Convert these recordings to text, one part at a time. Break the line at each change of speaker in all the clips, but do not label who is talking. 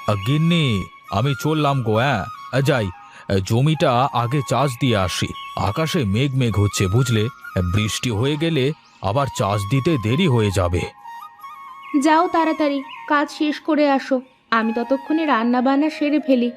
গিন্নি, আমি চললাম গো। হ্যাঁ, যাই। জমিটা আগে চাষ দিয়ে আসি। আকাশে মেঘ মেঘ হচ্ছে বুঝলে। বৃষ্টি হয়ে গেলে আবার চাষ দিতে দেরি হয়ে যাবে।
যাও তাড়াতাড়ি, কাজ শেষ করে আসো। আমি ততক্ষণে রান্না বান্না সেরে ফেলি।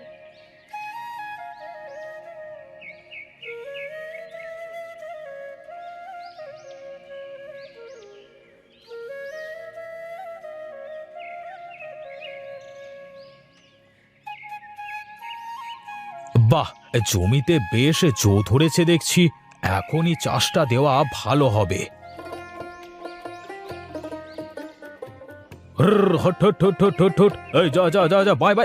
বাহ, জমিতে বেশ জো ধরেছে দেখছি। এখনই চাষটা দেওয়া ভালো হবে। Hot hot hot hot hot hot. এই যা যা যা যা, বাই বাই।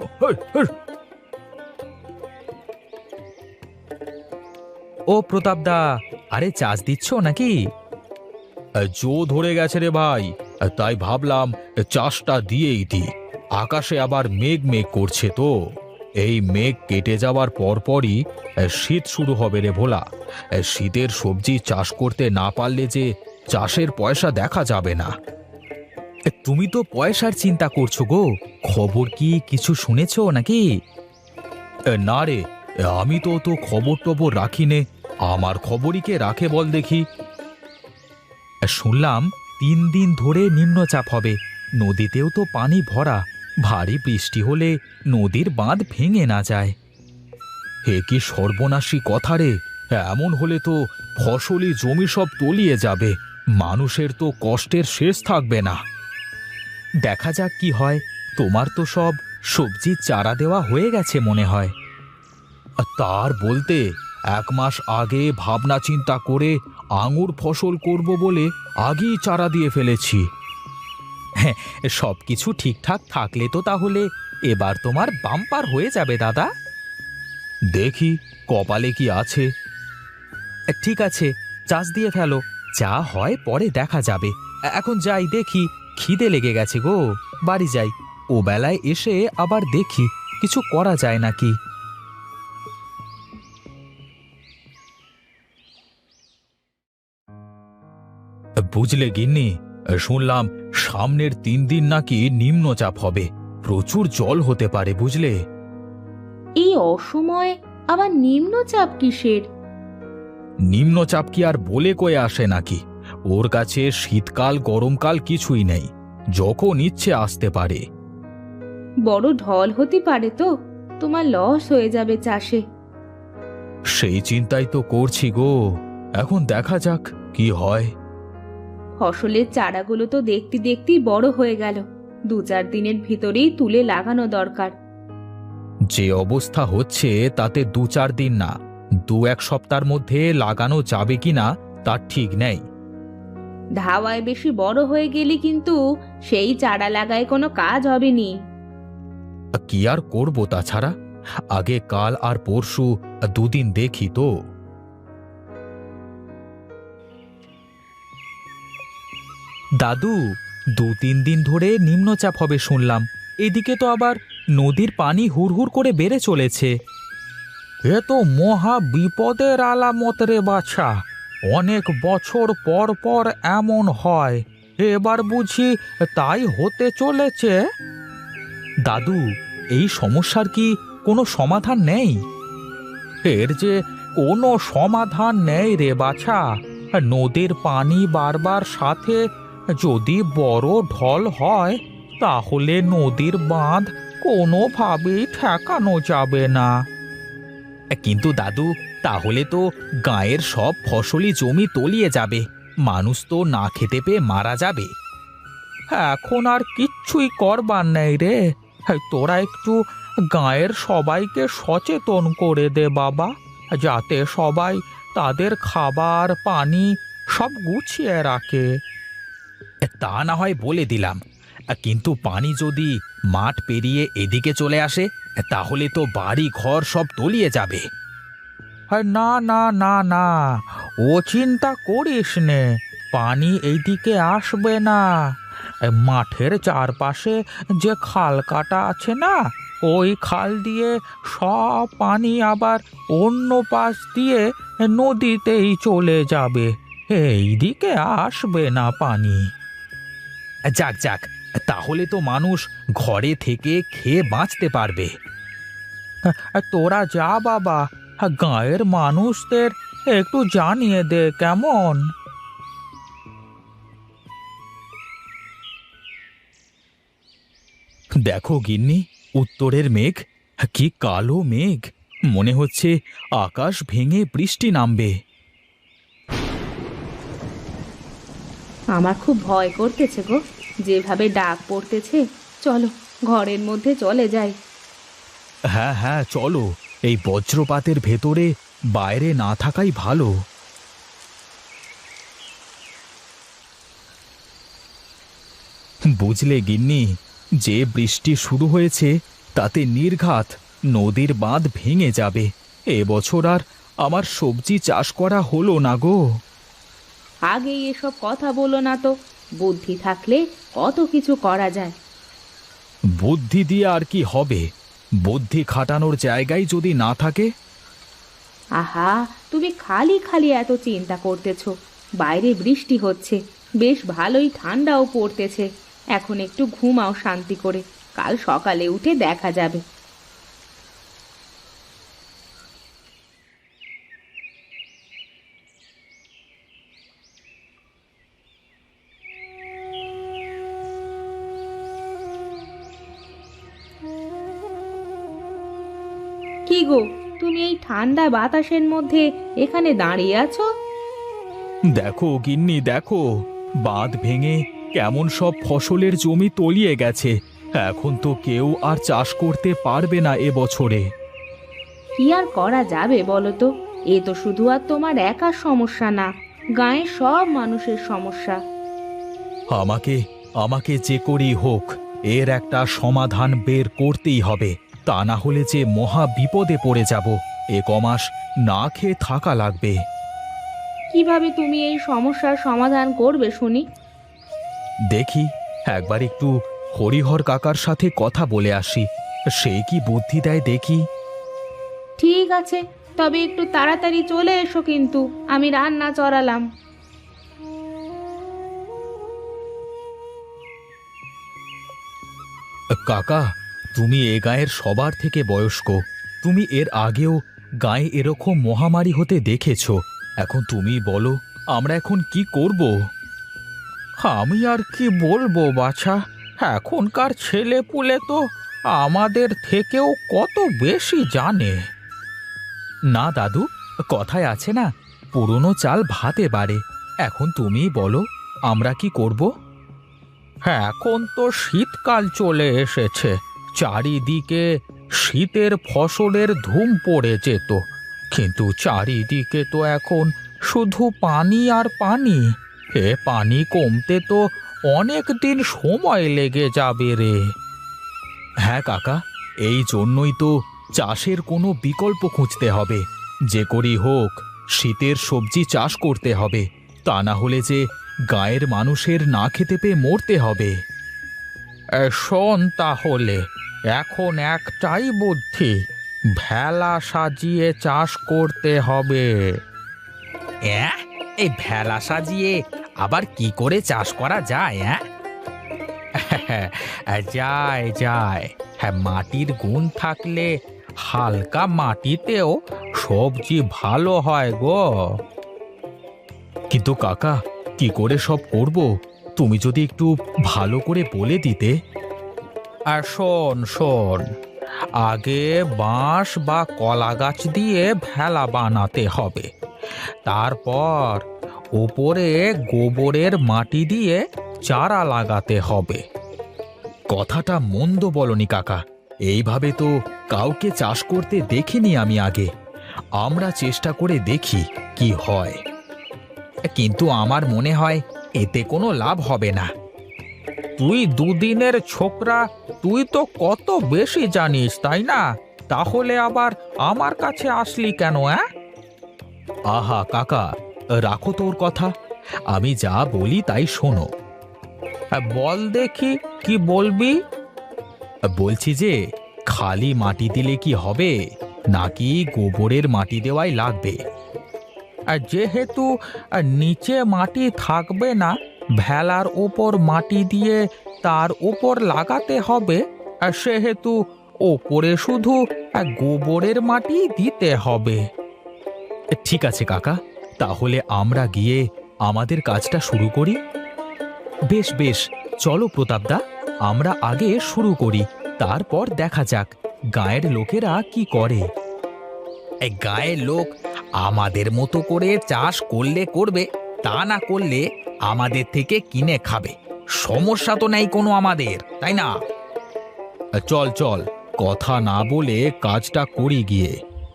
ও প্রতাপদা, আরে চাষ দিচ্ছ নাকি?
জো ধরে গেছে রে ভাই, তাই ভাবলাম চাষটা দিয়েই দি। আকাশে আবার মেঘ মেঘ করছে তো। এই মেঘ কেটে যাওয়ার পরপরই শীত শুরু হবে রে ভোলা। শীতের সবজি চাষ করতে না পারলে যে চাষের পয়সা দেখা যাবে না।
তুমি তো পয়সার চিন্তা করছো গো, খবর কি কিছু শুনেছো নাকি?
না রে, আমি তো তো খবর টবর রাখি নে। আমার খবরই কে রাখে বল দেখি।
শুনলাম 3 দিন ধরে নিম্নচাপ হবে, নদীতেও তো পানি ভরা। ভারী বৃষ্টি হলে নদীর বাঁধ ভেঙে না যায়।
হে কি সর্বনাশী কথা রে! এমন হলে তো ফসলি জমি সব তলিয়ে যাবে। মানুষের তো কষ্টের শেষ থাকবে না।
দেখা যাক কি হয়। তোমার তো সব সবজির চারা দেওয়া হয়ে গেছে মনে হয়।
তার বলতে 1 মাস আগে ভাবনা চিন্তা করে আঙুর ফসল করব বলে আগেই চারা দিয়ে ফেলেছি।
হ্যাঁ, সবকিছু ঠিকঠাক থাকলে তো তাহলে এবার তোমার বাম্পার হয়ে যাবে দাদা।
দেখি কপালে কি আছে।
ঠিক আছে, চাষ দিয়ে ফেলো, যা হয় পরে দেখা যাবে। এখন যাই, দেখি খিদে লেগে গেছে গো। বাড়ি যাই, ও বেলায় এসে আবার দেখি কিছু করা যায় নাকি।
বুঝলে গিন্নি, শুনলাম সামনের 3 দিন নাকি নিম্নচাপ হবে। প্রচুর জল হতে পারে বুঝলে।
এই অসময়ে আবার নিম্নচাপ কিসের?
নিম্নচাপ কি আর বলে কয়ে আসে নাকি? ওর কাছে শীতকাল গরমকাল কিছুই নেই, যখন ইচ্ছে আসতে পারে।
বড় ঢল হতে পারে তো, তোমার লস হয়ে যাবে চাষে।
সেই চিন্তাই তো করছি গো। এখন দেখা যাক কি হয়।
ফসলের চারাগুলো তো দেখতে দেখতেই বড় হয়ে গেল। 2-4 দিনের ভিতরেই তুলে লাগানো দরকার।
যে অবস্থা হচ্ছে তাতে 2-4 দিন না, 2-1 সপ্তাহের মধ্যে লাগানো যাবে কিনা তার ঠিক নেই।
ধাওয়ায় বেশি বড় হয়ে গেলে কিন্তু সেই চারা লাগায় কোনো কাজ হবে নি।
কি আর করব তাছাড়া? আগে কাল আর পরশু 2 দিন দেখি তো।
দাদু, 2-3 দিন ধরে নিম্নচাপ হবে শুনলাম। এদিকে তো আবার নদীর পানি হুড়হুড় করে বেড়ে চলেছে।
এ তো মহা বিপদের আলামত রে বাছা। অনেক বছর পর পর এমন হয়, এবার বুঝি তাই হতে চলেছে।
দাদু, এই সমস্যার কি কোনো সমাধান নেই?
এর যে কোনো সমাধান নেই রে বাছা। নদীর পানি বাড়বার সাথে যদি বড় ঢল হয়, তাহলে নদীর বাঁধ কোনোভাবেই ঠেকানো যাবে না।
কিন্তু দাদু, তাহলে তো গাঁয়ের সব ফসলি জমি তলিয়ে যাবে, মানুষ তো না খেতে পেয়ে মারা যাবে।
এখন আর কিচ্ছুই করবার নেই রে। তোরা একটু গাঁয়ের সবাইকে সচেতন করে দে বাবা, যাতে সবাই তাদের খাবার পানি সব গুছিয়ে রাখে।
তা না হয় বলে দিলাম, কিন্তু পানি যদি মাঠ পেরিয়ে এদিকে চলে আসে, তাহলে তো বাড়ি ঘর সব তলিয়ে যাবে।
না না না না, ও চিন্তা করিস নে, পানি এইদিকে আসবে না। মাঠের চারপাশে যে খাল কাটা আছে না, ওই খাল দিয়ে সব পানি আবার অন্য পাশ দিয়ে নদীতেই চলে যাবে, এইদিকে আসবে না পানি।
যাক যাক, তাহলে তো মানুষ ঘরে থেকে খেয়ে বাঁচতে পারবে।
তোরা যা বাবা, গাঁয়ের মানুষদের একটু জানিয়ে দে কেমন।
দেখো গিন্নি, উত্তরের মেঘ, কি কালো মেঘ! মনে হচ্ছে আকাশ ভেঙে বৃষ্টি নামবে।
আমার খুব ভয় করতেছে গো, যেভাবে ডাক পড়তেছে। চলো ঘরের মধ্যে চলে যাই।
হ্যাঁ হ্যাঁ, চলো। এই বজ্রপাতের ভেতরে বাইরে না থাকাই ভালো। বুঝলে গিন্নি, যে বৃষ্টি শুরু হয়েছে তাতে নির্ঘাত নদীর বাঁধ ভেঙে যাবে। এবছর আর আমার সবজি চাষ করা হলো না গো।
আগেই এসব কথা বলো না তো, বুদ্ধি থাকলে কত কিছু করা যায়।
বুদ্ধি দিয়ে আর কি হবে? বুদ্ধি খাটানোর জায়গায় যদি না থাকে।
আহা, তুমি খালি খালি এত চিন্তা করতেছো। বাইরে বৃষ্টি হচ্ছে, বেশ ভালোই ঠান্ডাও পড়তেছে। এখন একটু ঘুমাও শান্তি করে, কাল সকালে উঠে দেখা যাবে। কি গো, তুমি এই ঠান্ডা বাতাসের মধ্যে এখানে দাঁড়িয়ে আছো?
দেখো গিন্নি, দেখো, বাঁধ ভেঙে কেমন সব ফসলের জমি তলিয়ে গেছে। এখন তো কেউ আর চাষ করতে পারবে না এবছরে।
কি আর করা যাবে বলো তো? এ তো শুধু আর তোমার একার সমস্যা না, গাঁয়ের সব মানুষের সমস্যা।
আমাকে আমাকে যে করেই হোক এর একটা সমাধান বের করতেই হবে। তা না হলে যে মহা বিপদে পড়ে যাব। এ কমাস না খেয়ে থাকা লাগবে।
কিভাবে তুমি এই সমস্যার সমাধান করবে শুনি?
দেখি, একবার একটু হরিহর কাকার সাথে কথা বলে আসি, সে কি বুদ্ধি দেয় দেখি।
ঠিক আছে, তবে একটু তাড়াতাড়ি চলে এসো কিন্তু, আমি রান্না চড়ালাম।
কাকা, তুমি এ গাঁয়ের সবার থেকে বয়স্ক। তুমি এর আগেও গায়ে এরকম মহামারী হতে দেখেছো। এখন তুমি বলো, আমরা এখন কি করব?
আমি আর কি বলবো বাছা, এখনকার ছেলে পুলে তো আমাদের থেকেও কত বেশি জানে।
না দাদু, কথায় আছে না, পুরনো চাল ভাতে বাড়ে। এখন তুমি বলো, আমরা কি করব?
এখন তো শীতকাল চলে এসেছে, চারিদিকে শীতের ফসলের ধুম পড়ে যেত, কিন্তু চারিদিকে তো এখন শুধু পানি আর পানি। এ পানি কমতে তো অনেক দিন সময় লেগে যাবে রে।
হ্যাঁ কাকা, এই জন্যই তো চাষের কোনো বিকল্প খুঁজতে হবে। যে করেই হোক শীতের সবজি চাষ করতে হবে, তা না হলে যে গায়ের মানুষের না খেতে পেয়ে মরতে হবে।
শোন তাহলে, এখন একটাই বুদ্ধি, ভেলা সাজিয়ে চাষ করতে হবে।
এই ভেলা সাজিয়ে আবার কি করে চাষ করা যায়?
যায় যায়, হ্যাঁ, মাটির গুণ থাকলে হালকা মাটিতেও সবজি ভালো হয় গো।
কিন্তু কাকা, কি করে সব করব? তুমি যদি একটু ভালো করে বলে দিতে।
আর শোন শোন, আগে বাঁশ বা কলা গাছ দিয়ে ভেলা বানাতে হবে, তারপর উপরে গোবরের মাটি দিয়ে চারা লাগাতে হবে।
কথাটা মন্দ বলনি কাকা, এইভাবে তো কাউকে চাষ করতে দেখিনি আমি আগে। আমরা চেষ্টা করে দেখি কি হয়।
কিন্তু আমার মনে হয় এতে কোনো লাভ হবে না। তুই দুদিনের ছোকরা, তুই তো কত বেশি জানিস তাই না? তাহলে আবার আমার কাছে আসলি কেন?
আহা কাকা, রাখো তোর কথা, আমি যা বলি তাই শোনো।
বল দেখি, কি বলবি?
বলছি যে খালি মাটি দিলে কি হবে, নাকি গোবরের মাটি দেওয়াই লাগবে?
যেহেতু নিচে মাটি থাকবে না, ভেলার ওপর মাটি দিয়ে তার ওপর লাগাতে হবে, আর সেহেতু ওপরে শুধু গোবরের মাটি দিতে হবে।
ঠিক আছে কাকা, তাহলে আমরা গিয়ে আমাদের কাজটা শুরু করি। বেশ বেশ, চলো প্রতাপদা, আমরা আগে শুরু করি, তারপর দেখা যাক গায়ের লোকেরা কি করে।
এই গায়ের লোক আমাদের মতো করে চাষ করলে করবে, তা না করলে আমাদের থেকে কিনে খাবে। সমস্যা তো নেই কোনো আমাদের, তাই না?
চল চল, কথা না বলে কাজটা করি গিয়ে।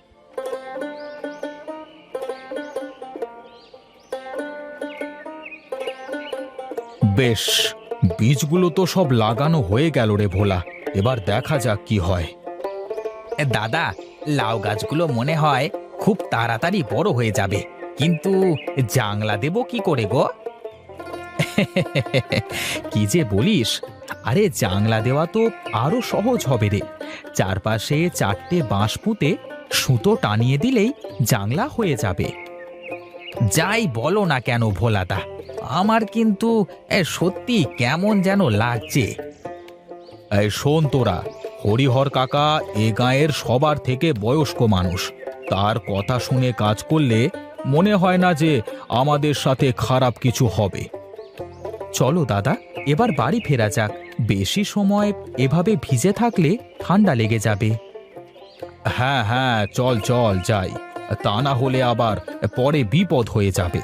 বেশ, বীজগুলো তো সব লাগানো হয়ে গেল রে ভোলা, এবার দেখা যাক কি হয়।
দাদা, লাউ গাছগুলো মনে হয় খুব তাড়াতাড়ি বড় হয়ে যাবে, কিন্তু জাংলা দেব কি করে গো?
কি যে বলিস, আরে জাংলা দেওয়া তো আরো সহজ হবে রে। চারপাশে 4টে বাঁশ পুঁতে সুতো টানিয়ে দিলেই জাংলা হয়ে যাবে।
যাই বলো না কেন ভোলাদা, আমার কিন্তু সত্যি কেমন যেন লাগছে।
এই শোন তোরা, হরিহর কাকা এ গাঁয়ের সবার থেকে বয়স্ক মানুষ, তার কথা শুনে কাজ করলে মনে হয় না যে আমাদের সাথে খারাপ কিছু হবে।
চলো দাদা, এবার বাড়ি ফেরা যাক। বেশি সময় এভাবে ভিজে থাকলে ঠান্ডা লেগে যাবে।
হ্যাঁ হ্যাঁ, চল চল যাই, তা না হলে আবার পরে বিপদ হয়ে যাবে।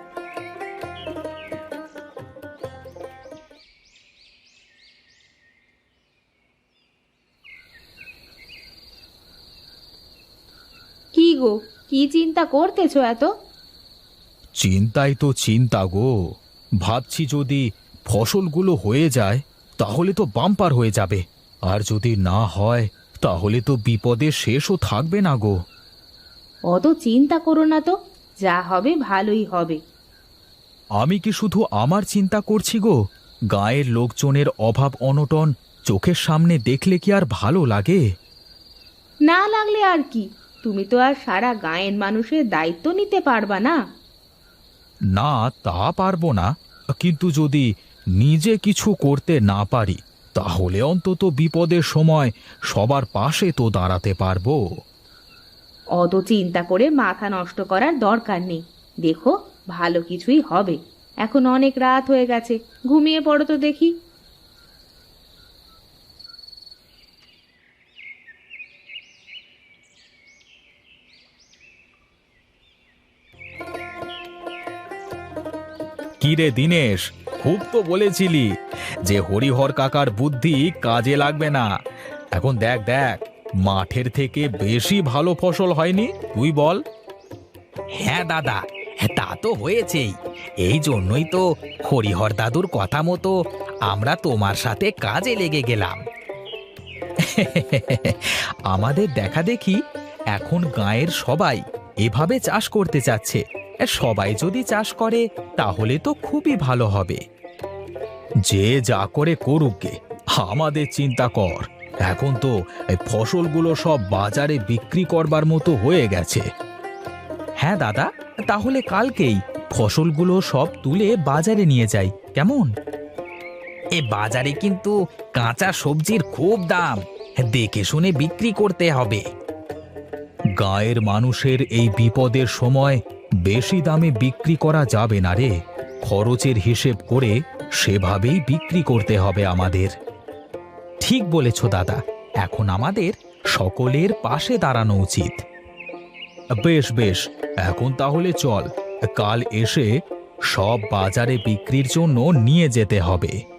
কি গো, কি চিন্তা করতেছো এত?
চিন্তাই তো চিন্তা গো, ভাবছি যদি ফসলগুলো হয়ে যায় তাহলে তো বাম্পার হয়ে যাবে, আর যদি না হয় তাহলে তো বিপদের শেষও থাকবে না গো।
অত চিন্তা করো না তো, যা হবে ভালোই হবে।
আমি কি শুধু আমার চিন্তা করছি গো? গাঁয়ের লোকজনের অভাব অনটন চোখের সামনে দেখলে কি আর ভালো লাগে?
না লাগলে আর কি, তুমি তো আর সারা গাঁয়ের মানুষের দায়িত্ব নিতে পারবা না।
না, তা পারবো না, কিন্তু যদি নিজে কিছু করতে না পারি তাহলে অন্তত বিপদের সময় সবার পাশে তো দাঁড়াতে পারবো।
অত চিন্তা করে মাথা নষ্ট করার দরকার নেই। দেখো, ভালো কিছুই হবে। এখন অনেক রাত হয়ে গেছে, ঘুমিয়ে পড়ো তো দেখি।
কিরে দিনেশ, খুব তো বলেছিলি যে হরিহর কাকার বুদ্ধি কাজে লাগবে না। এখন দেখ দেখ, মাঠের থেকে বেশি ভালো ফসল হয়নি, তুই বল।
হ্যাঁ দাদা, তা তো হয়েছেই। এই জন্যই তো হরিহর দাদুর কথা মতো আমরা তোমার সাথে কাজে লেগে গেলাম।
আমাদের দেখা দেখি এখন গাঁয়ের সবাই এভাবে চাষ করতে চাচ্ছে। সবাই যদি চাষ করে তাহলে তো খুবই ভালো হবে।
যে যা করে করুক গে, আমাদের চিন্তা কর। এখন তো এই ফসলগুলো সব বাজারে বিক্রি করবার মতো হয়ে গেছে।
হ্যাঁ দাদা, তাহলে কালকেই ফসলগুলো সব তুলে বাজারে নিয়ে যাই, কেমন?
এ বাজারে কিন্তু কাঁচা সবজির খুব দাম, দেখে শুনে বিক্রি করতে হবে।
গাঁয়ের মানুষের এই বিপদের সময় বেশি দামে বিক্রি করা যাবে না রে। খরচের হিসেব করে সেভাবেই বিক্রি করতে হবে আমাদের।
ঠিক বলেছ দাদা, এখন আমাদের সকলের পাশে দাঁড়ানো উচিত।
বেশ বেশ, এখন তাহলে চল, কাল এসে সব বাজারে বিক্রির জন্য নিয়ে যেতে হবে।